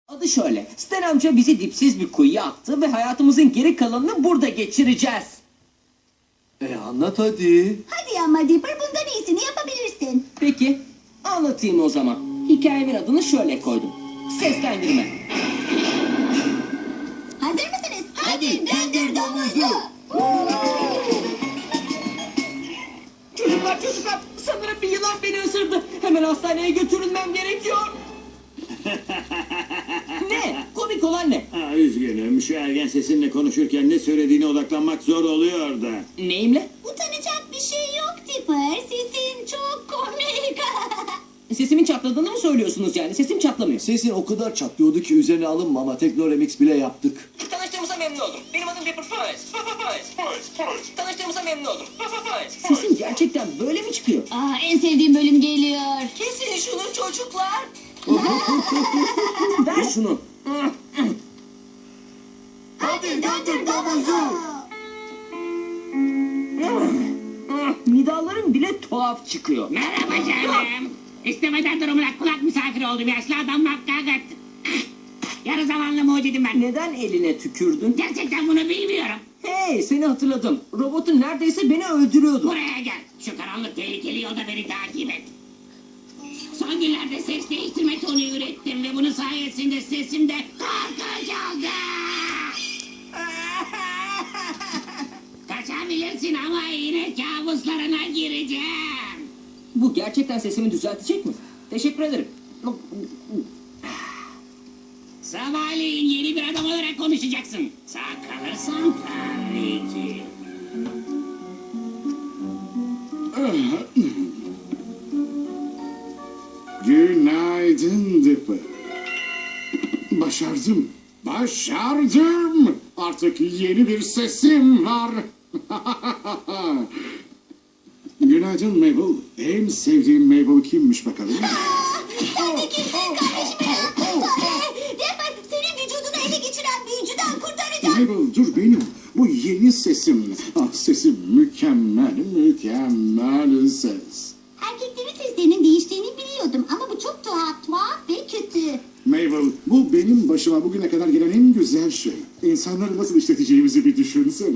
Adı şöyle. Stan amca bizi dipsiz bir kuyuya attı ve hayatımızın geri kalanını burada geçireceğiz. Anlat hadi. Hadi ama Dipper, bundan iyisini yapabilirsin. Peki, anlatayım o zaman. Hikayemin adını şöyle koydum. Seslendirme. Hazır mısınız? Hadi döndür domuzu. Çocuklar, sanırım bir yılan beni ısırdı. Hemen hastaneye götürülmem gerekiyor. Ne? Komik olan ne? Üzgünüm. Şu ergen sesinle konuşurken ne söylediğine odaklanmak zor oluyor da. Neyimle? Utanacak bir şey yok Dipper. Sesin çok komik. Sesimin çatladığını mı söylüyorsunuz yani? Sesim çatlamıyor. Sesin o kadar çatlıyordu ki üzerine alınma ama Tekno Remix bile yaptık. Tanıştığımıza memnun oldum. Benim adım Dipper Fuzz. Tanıştığımıza memnun oldum. Sesim gerçekten böyle mi çıkıyor? En sevdiğim bölüm geliyor. Kesin şunu çocuklar. Ver şunu. Hadi döndür domuzu. Nidalarım bile tuhaf çıkıyor. Merhaba canım. İstemeden durumuna kulak misafiri oldum. Yaşlı adam makkakat. Yarı zamanlı mucidim ben. Neden eline tükürdün? Gerçekten bunu bilmiyorum. Hey, seni hatırladım. Robotun neredeyse beni öldürüyordu. Buraya gel. Şu karanlık tehlikeli yolda beni takip et. Son günlerde ses değiştirme tonu ürettim ve bunun sayesinde sesimde korkunç oldu. Kaçabilirsin ama yine kabuslarına gireceğim. Bu gerçekten sesimi düzeltecek mi? Teşekkür ederim. Sabahleyin yeni bir adam olarak konuşacaksın. Sağ kalırsan tabii ki. Günaydın Dipper. Başardım. Artık yeni bir sesim var. Günaydın Mabel. En sevdiğim Mabel kimmiş bakalım? Sen de kimsin kardeşime? Dipper, senin vücudunu ele geçiren büyücüden kurtaracağım. Mabel dur benim. Bu yeni sesim. Sesim mükemmel ses. Erkeklerin seslerinin değiştiğini biliyordum ama bu çok tuhaf ve kötü. Mabel, bu benim başıma bugüne kadar gelen en güzel şey. İnsanları nasıl işleteceğimizi bir düşünsene.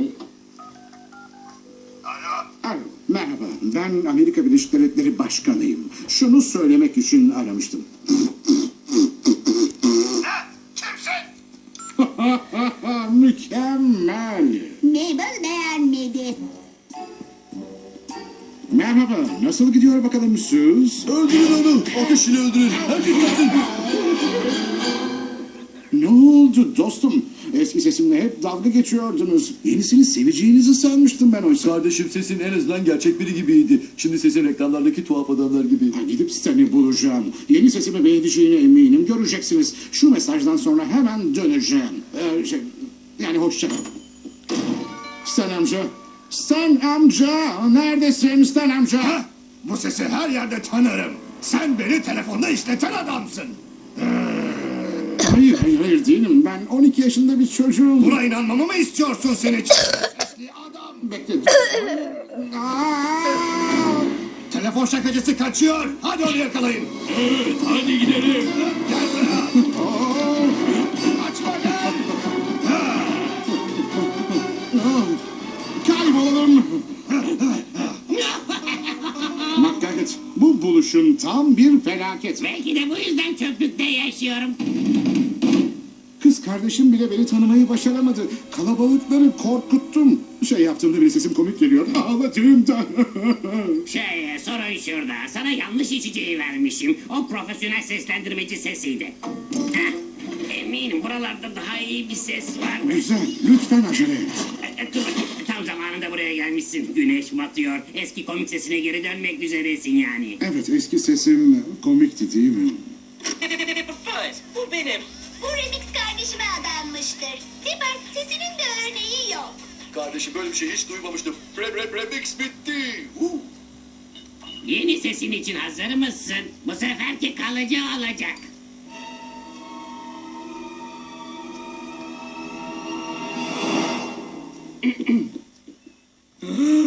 Alo, merhaba. Ben Amerika Birleşik Devletleri Başkanıyım. Şunu söylemek için aramıştım. Kimsin? Mükemmel. Mabel beğenmedi. Merhaba, nasıl gidiyor bakalım Sus? Öldürün onu. Ateş ile öldürün. Herkes kaçsın. Ne oldu dostum? Eski sesimle hep dalga geçiyordunuz. Yenisini seveceğinizi sanmıştım ben oysa. Kardeşim sesin en azından gerçek biri gibiydi. Şimdi sesin reklamlardaki tuhaf adamlar gibi. Gidip seni bulacağım. Yeni sesimi beğeneceğine eminim. Göreceksiniz. Şu mesajdan sonra hemen döneceğim. Yani hoşça kal. Stan amca. Stan amca. Neredesin Stan amca? Ha? Bu sesi her yerde tanırım. Sen beni telefonda işleten adamsın. Hayır değilim. Ben 12 yaşında bir çocuğum. Buna inanmamı mı istiyorsun seni? Sesli adam. Bekle. Telefon şakacısı kaçıyor. Hadi onu yakalayın. Evet, hadi gidelim. Gel buraya. Kaçma gel. Kaybolalım. Makkaget, bu buluşun tam bir felaket. Belki de bu yüzden çöplükte yaşıyorum. Kız kardeşim bile beni tanımayı başaramadı. Kalabalıkları korkuttum. Yaptığımda bile sesim komik geliyor. Ağladığımda. Sorun şurada. Sana yanlış içeceği vermişim. O profesyonel seslendirmeci sesiydi. Heh, eminim buralarda daha iyi bir ses var. Güzel, lütfen acele et. Dur bakayım, tam zamanında buraya gelmişsin. Güneş batıyor. Eski komik sesine geri dönmek üzeresin yani. Evet, eski sesim komikti değil mi? Bu benim. Bu remix kardeşime adanmıştır. Dipper, sesinin de örneği yok. Kardeşim böyle bir şey hiç duymamıştım. Remix bitti. Yeni sesin için hazır mısın? Bu seferki kalıcı olacak.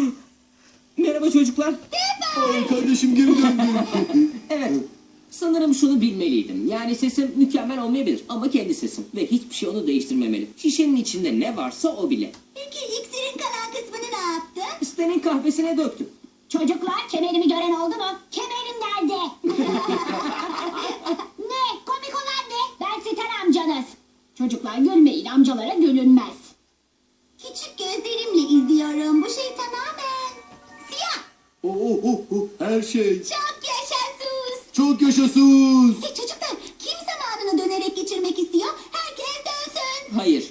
Merhaba çocuklar. Ay, kardeşim geri döndü. Evet, sanırım şunu bilmeliydim. Yani sesim mükemmel olmayabilir ama kendi sesim. Ve hiçbir şey onu değiştirmemeli. Şişenin içinde ne varsa o bile. Peki iksirin kalan kısmını ne yaptın? Stan'in kahvesine döktüm. Çocuklar kemerimi gören oldu mu? Kemerim nerede? Ne? Komik olan ne? Ben Stan amcanız. Çocuklar gülmeyin, amcalara gülünmez. Küçük gözlerimle izliyorum. Bu şey tamamen siyah. Her şey. Çok yaşasın. Çok yaşasın. Hey çocuklar, kim zamanını dönerek geçirmek istiyor? Herkes dönsün. Hayır.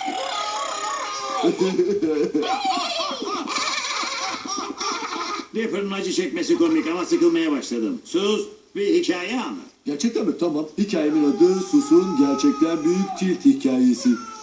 Dipper'ın acı çekmesi komik ama sıkılmaya başladım. Sus, bir hikaye anlat. Gerçekten mi? Tamam. Hikayemin adı Sus'un gerçekten büyük tilt hikayesi.